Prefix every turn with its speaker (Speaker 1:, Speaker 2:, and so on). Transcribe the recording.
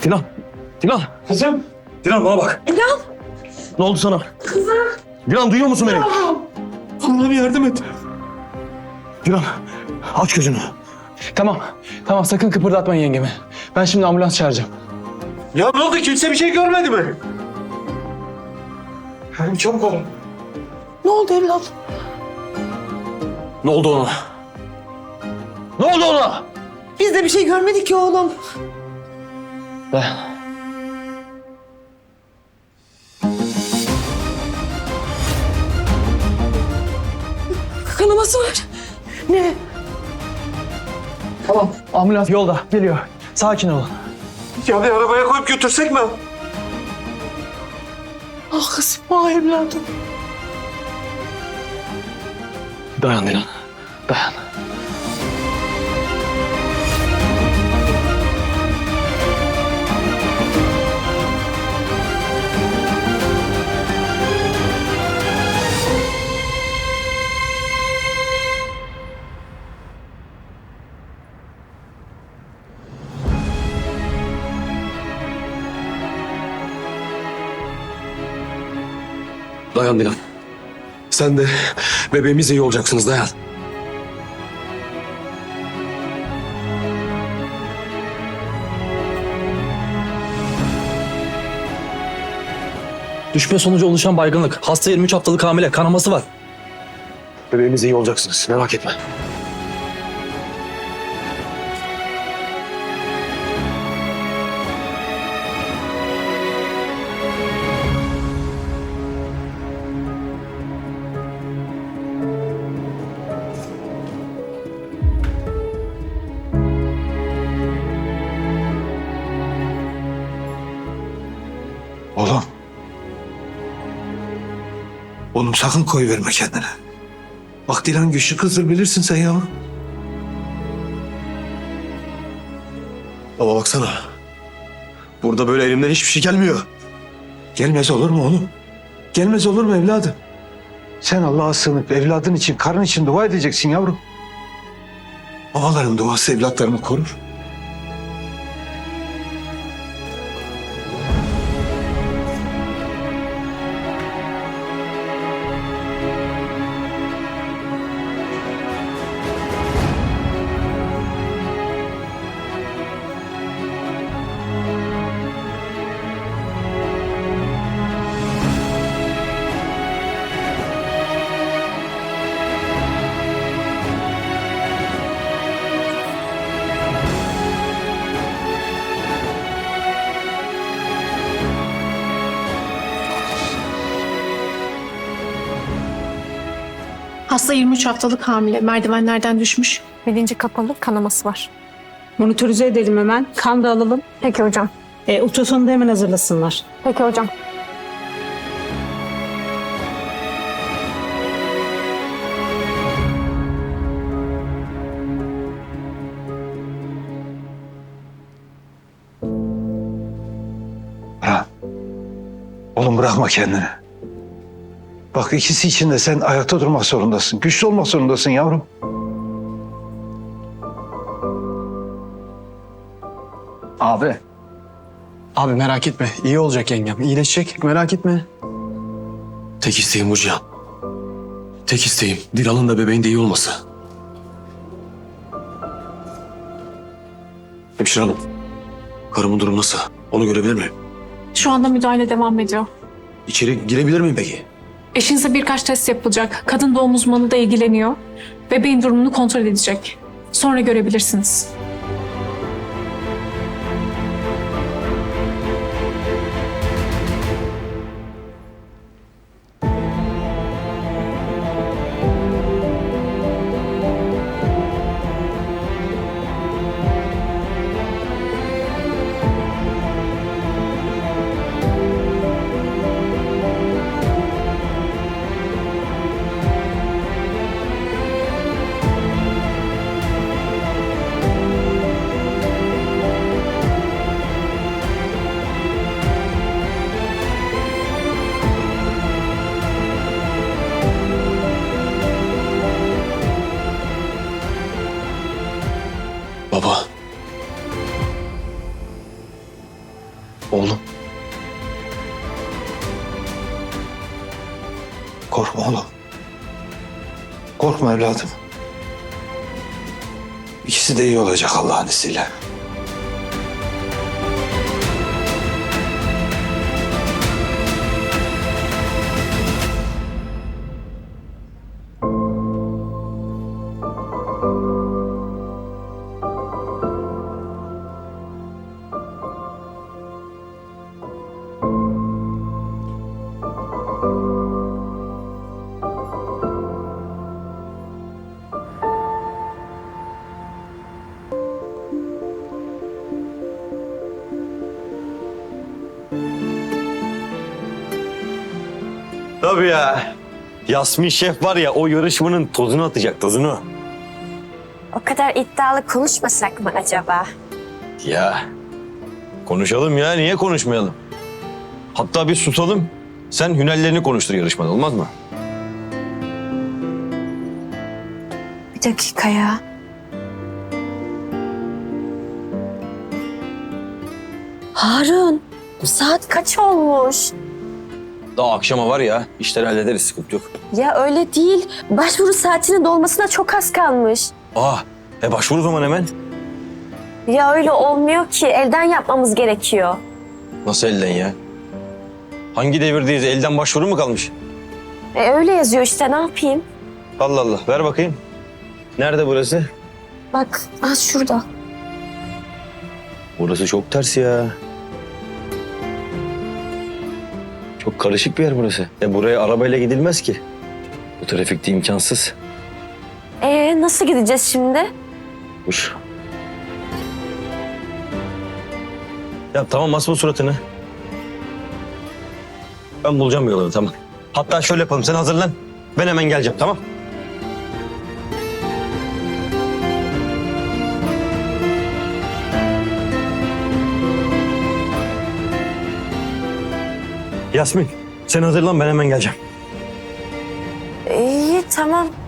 Speaker 1: Dilan. Dilan.
Speaker 2: Kızım.
Speaker 1: Dilan bana bak.
Speaker 3: Dilan.
Speaker 1: Ne oldu sana?
Speaker 3: Kızım.
Speaker 1: Dilan duyuyor musun beni?
Speaker 2: Allah'ım yardım et.
Speaker 1: Dilan aç gözünü.
Speaker 2: Tamam. Tamam sakın kıpırdatmayın yengemi. Ben şimdi ambulans çağıracağım.
Speaker 4: Ya ne oldu? Kimse bir şey görmedi mi?
Speaker 2: Hadi çabuk olun.
Speaker 3: Ne oldu evlat?
Speaker 1: Ne oldu ona? Ne oldu ona?
Speaker 3: Biz de bir şey görmedik ki oğlum. Kanaması var. Ne?
Speaker 2: Tamam. Ambulans yolda. Geliyor. Sakin olun.
Speaker 4: Ya bir arabaya koyup götürsek mi?
Speaker 3: Ah kızım, ah evladım.
Speaker 1: Dayan Dilan. Dayan. Dayan Dilan. Sen de bebeğimizle iyi olacaksınız. Dayan.
Speaker 5: Düşme sonucu oluşan baygınlık. Hasta 23 haftalık hamile. Kanaması var.
Speaker 1: Bebeğimizle iyi olacaksınız. Merak etme.
Speaker 4: Oğlum. Oğlum sakın koyuverme kendine. Bak Dilan güçlü kızdır bilirsin sen ya.
Speaker 1: Baba baksana. Burada böyle elimden hiçbir şey gelmiyor.
Speaker 4: Gelmez olur mu oğlum? Gelmez olur mu evladım? Sen Allah'a sığınıp evladın için, karın için dua edeceksin yavrum. Babaların duası evlatlarını korur.
Speaker 6: Hasta 23 haftalık hamile. Merdivenlerden düşmüş.
Speaker 7: Bilinci kapalı, kanaması var.
Speaker 8: Monitörize edelim hemen. Kan da alalım.
Speaker 7: Peki hocam.
Speaker 8: Ultrasonu da hemen hazırlasınlar.
Speaker 7: Peki hocam.
Speaker 4: Bırak. Oğlum bırakma kendini. Bak ikisi için de sen ayakta durmak zorundasın. Güçlü olmak zorundasın yavrum.
Speaker 2: Abi. Abi merak etme. İyi olacak yengem. İyileşecek. Merak etme.
Speaker 1: Tek isteğim bu Cihan. Tek isteğim Dilan'ın da bebeğin de iyi olması. Hemşire hanım. Karımın durumu nasıl? Onu görebilir miyim?
Speaker 6: Şu anda müdahale devam ediyor.
Speaker 1: İçeri girebilir miyim peki?
Speaker 6: Eşinize birkaç test yapılacak. Kadın doğum uzmanı da ilgileniyor. Bebeğin durumunu kontrol edecek. Sonra görebilirsiniz.
Speaker 4: Korkma oğlum. Korkma evladım. İkisi de iyi olacak Allah'ın izniyle.
Speaker 9: Tabii ya. Yasmin Şef var ya o yarışmanın tozunu atacak tozunu.
Speaker 10: O kadar iddialı konuşmasak mı acaba?
Speaker 9: Ya konuşalım ya niye konuşmayalım? Hatta bir susalım. Sen hünerlerini konuştur yarışmada olmaz mı?
Speaker 10: Bir dakika ya. Harun, saat kaç olmuş?
Speaker 9: Daha akşama var ya işleri hallederiz sıkıntı yok.
Speaker 10: Ya öyle değil. Başvuru saatinin dolmasına çok az kalmış.
Speaker 9: Başvur o zaman hemen.
Speaker 10: Ya öyle olmuyor ki. Elden yapmamız gerekiyor.
Speaker 9: Nasıl elden ya? Hangi devirdeyiz elden başvuru mu kalmış?
Speaker 10: Öyle yazıyor işte ne yapayım?
Speaker 9: Allah Allah ver bakayım. Nerede burası?
Speaker 10: Bak az şurada.
Speaker 9: Burası çok ters ya. Çok karışık bir yer burası. Buraya arabayla gidilmez ki. Bu trafikte imkansız.
Speaker 10: Nasıl gideceğiz şimdi?
Speaker 9: Dur. Ya tamam asma suratını. Ben bulacağım bir yolunu tamam. Hatta şöyle yapalım sen hazırlan. Ben hemen geleceğim tamam. Yasmin sen hazırlan ben hemen geleceğim.
Speaker 10: İyi tamam.